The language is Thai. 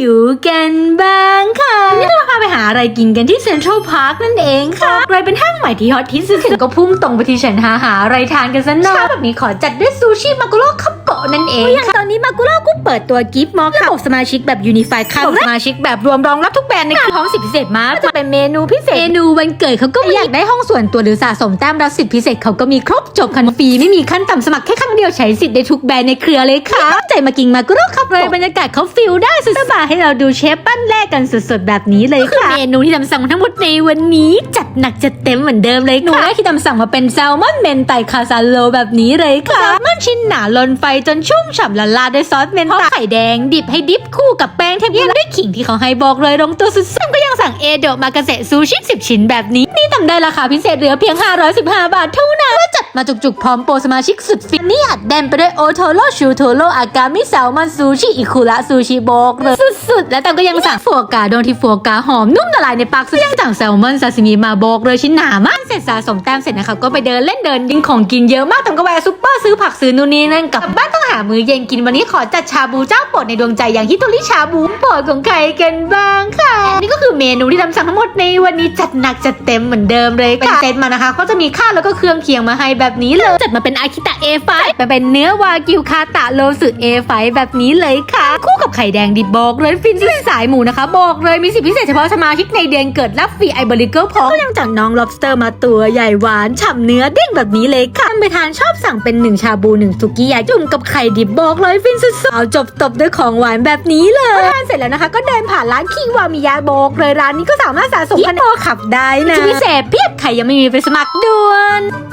หิวกันบ้างค่ะวันนี้เราพาไปหาอะไรกินกันที่เซ็นทรัลพาร์คนั่นเองค่ะเลยเป็นห้างใหม่ที่ฮอตที่สุดก็พุ่งตรงไปที่ฉันหาอะไรทานกันซะหน่อยแบบนี้ขอจัดด้วยซูชิมากุโร่คัพโกะนั่นเองอย่างตอนนี้มากุโร่ก็เปิดตัวกิฟต์มอลค่ะสมาชิกแบบยูนิฟายค่ะสมาชิกแบบรวมรองรับทุกแบรนด์ในพร้อมสิทธิพิเศษมากจะเป็นเมนูพิเศษเมนูวันเกิดเขาก็อยากได้ห้องส่วนตัวหรือสะสมแต้มรับสิทธิพิเศษเขาก็มีครบจบคันฟรีไม่มีขั้นต่ำสมัครแค่ครั้งเดียวใช้สิทธิ์ได้ทุกแบรนด์ในเครือเลยค่ะใจมากินมากุโร่คัพเลยบรรยากาศเขาฟิลได้สุดๆมาให้เราดูเชฟปั้นแรกกันสดๆแบบนี้เลยค่ะเมนูที่ทำสั่งทั้งหมดในวันนี้จัดหนักจัดเต็มเหมือนเดิมเลยค่ะหนูแรกที่ทำสั่งมาเป็นแซลมอนเมนไตคาซาโลแบบนี้เลยค่ะแซลมอนชิ้นหนาล้นไฟจนชุ่มฉ่ำละลาด้วยซอสเมนไตไข่แดงดิบให้ดิบคู่กับแป้งเทมปุระด้วยขิงที่เขาให้บอกเลยลงตัวสุดๆก็ยังสั่งเอโดะมากาเซซูชิ10ชิ้นแบบนี้นี่ทำได้ราคาพิเศษเหลือเพียง515 บาทเท่านั้นจัดมาจุกๆพร้อมโปรสมาชิกสุดฟินนี่อัดแน่นไปด้วยโอโทโร่ชูโทโร่อากามิแซลมอนซูชิอิคุระซูชิโบกเลยสุดๆและแต่ก็ยังสั่งฟัวกราโดนที่ฟัวกราหอมนุ่มละลายในปากสุดยังสั่งแซลมอนซาซิมิมาโบกเลยชิ้นหนามากเสร็จสะสมแต้มเสร็จนะคะก็ไปเดินเล่นเดินดิ้งของกินเยอะมากแต่ก็แวะซุปเปอร์ซื้อผักซื้อนู่นนี่นั่นกลับบ้านต้องหามื้อเย็นกินวันนี้ขอจัดชาบูเจ้าโปรดในดวงใจอย่างฮิโตริชาบูโปรดของใครกันบ้างค่ะนี่ก็คือเมนูที่ทำสั่งทั้งหมดในวันนี้จัดหนักจัดเต็มเหมือนเดิมเลยค่ะเป็นเซตมานะคะก็จะมีข้าวแล้วก็เครื่องเคียงมาให้แบบนี้เลยจัดมาเป็นอาคิตะ A5 เป็นเนื้อวากิวคาตะโลสึ A5 แบบนี้เลยค่ะคู่กับไข่แดงดิบบอกเลยฟินสายหมูนะคะบอกเลยมีสิทธิพิเศษเฉพาะสมาชิกในเดือนเกิดรับฟรีไอเบอริเกิลพร้อมก็ยังจัดน้อง lobster มาตัวใหญ่หวานฉ่ำเนื้อเด้งแบบนี้เลยค่ะไปทานชอบสั่งเป็น1ชาบู1สุกี้ยาจุ่มกับไข่ดิบบอกเลยฟินสุดๆเอาจบตบด้วยของหวานแบบนี้เลยทานเสร็จแล้วนะคะก็เดินผ่านร้านคิวามิยะบอกเลยร้านนี้ก็สามารถสะสมคะแนนขับได้นะพิเศษเพียบใครยังไม่มีไปสมัครด่วน